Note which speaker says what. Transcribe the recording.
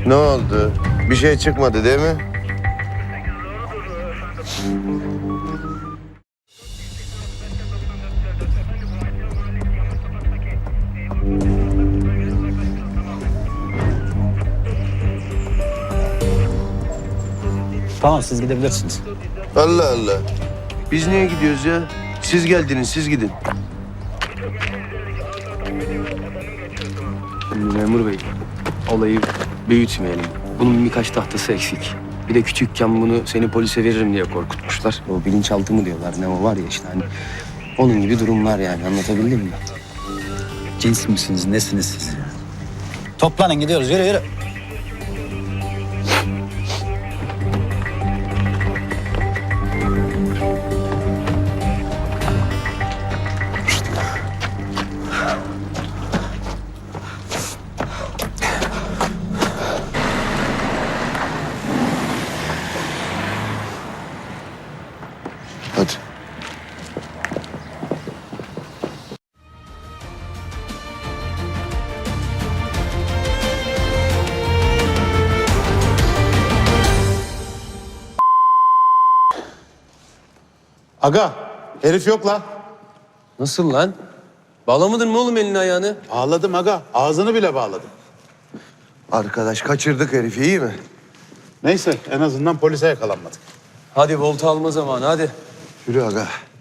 Speaker 1: Ne oldu? Bir şey çıkmadı değil mi?
Speaker 2: Tamam, siz gidebilirsiniz.
Speaker 1: Allah Allah. Biz niye gidiyoruz ya? Siz geldiniz, siz gidin.
Speaker 3: Şimdi memur bey, olayı büyütmeyelim. Bunun birkaç tahtası eksik. Bir de küçükken bunu seni polise veririm diye korkutmuşlar. O bilinçaltı mı diyorlar, ne o var ya işte hani. Onun gibi durumlar yani, anlatabildim mi?
Speaker 2: Cins misiniz, nesiniz siz? Toplanın, gidiyoruz. Yürü, yürü.
Speaker 1: Hadi.
Speaker 4: Aga, herif yok la.
Speaker 3: Nasıl lan? Bağlamadın mı oğlum elini ayağını?
Speaker 4: Bağladım aga, ağzını bile bağladım.
Speaker 1: Arkadaş kaçırdık herifi, iyi mi?
Speaker 4: Neyse, en azından polise yakalanmadık.
Speaker 3: Hadi volta alma zamanı, hadi.
Speaker 1: Yürü aga.